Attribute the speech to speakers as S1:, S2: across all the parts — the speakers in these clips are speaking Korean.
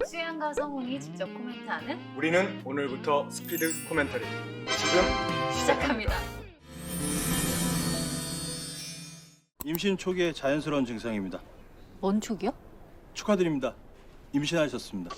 S1: 수양과 성훈이 직접 코멘트하는
S2: 우리는 오늘부터 스피드 코멘터리 지금
S1: 시작합니다.
S3: 임신 초기의 자연스러운 증상입니다.
S1: 뭔 촉이요?
S3: 축하드립니다. 임신하셨습니다.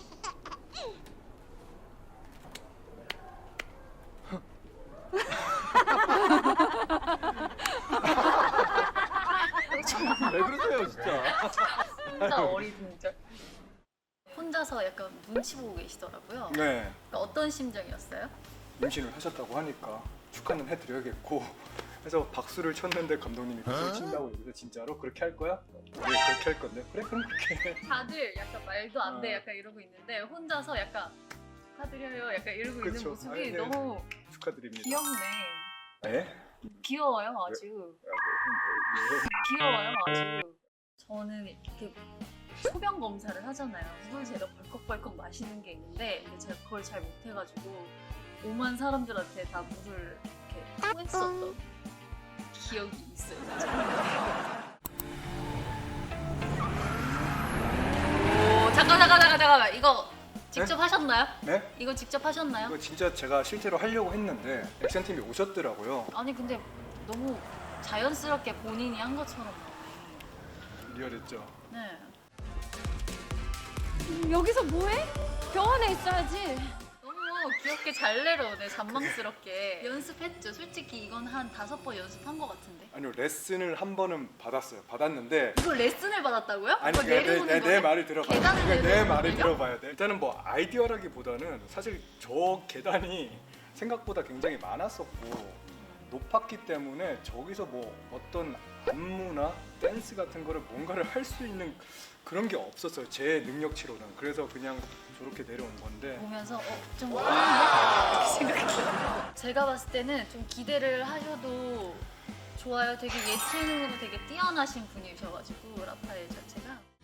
S3: 왜 그러세요, 진짜?
S1: 진짜 어리둥절. 혼자서 약간 눈치 보고 계시더라고요.
S2: 네
S1: 그러니까 어떤 심정이었어요?
S2: 임신을 하셨다고 하니까 축하는 해드려야겠고 해서 박수를 쳤는데 감독님이 박수를 친다고 여기서 진짜로 그렇게 할 거야? 네 그렇게 할 건데 그래 그럼 그렇게 해.
S1: 다들 약간 말도 안 돼 약간 이러고 있는데 혼자서 약간 축하드려요 약간 이러고 있는
S2: 그쵸.
S1: 모습이
S2: 아니, 네.
S1: 너무
S2: 축하드립니다.
S1: 귀엽네.
S2: 네?
S1: 귀여워요 아주. 귀여워요 아주. 저는 이렇게 소변 검사를 하잖아요. 물을 제가 벌컥벌컥 마시는 게 있는데 근데 제가 그걸 잘 못해가지고 오만 사람들한테 다 물을 이렇게 토했었던 기억이 있어요. 오 잠깐만 이거 직접 하셨나요?
S2: 네?
S1: 이거 직접 하셨나요?
S2: 이거 진짜 제가 실제로 하려고 했는데 액션팀이 오셨더라고요.
S1: 아니 근데 너무 자연스럽게 본인이 한 것처럼 나와요.
S2: 리얼했죠.
S1: 네.
S4: 여기서 뭐해? 병원에 있어야지.
S1: 너무 귀엽게 잘 내려오네 잔망스럽게. 연습했죠. 솔직히 이건 한 5번 연습한 것 같은데.
S2: 아니요 레슨을 한 번은 받았어요. 받았는데
S1: 이거 레슨을 받았다고요?
S2: 아니
S1: 이거 내려오는
S2: 내
S1: 거예요?
S2: 말을 들어봐요.
S1: 계단을
S2: 내
S1: 내려오는
S2: 말을
S1: 거예요?
S2: 들어봐야 돼. 일단은 뭐 아이디어라기보다는 사실 저 계단이 생각보다 굉장히 많았었고 높았기 때문에 저기서 뭐 어떤 안무나 댄스 같은 거를 뭔가를 할 수 있는 그런 게 없었어요. 제 능력치로는. 그래서 그냥 저렇게 내려온 건데
S1: 보면서 좀 이렇게 생각했어요. 제가 봤을 때는 좀 기대를 하셔도 좋아요. 되게 예체능으로 되게 뛰어나신 분이셔가지고 라파엘 자체가.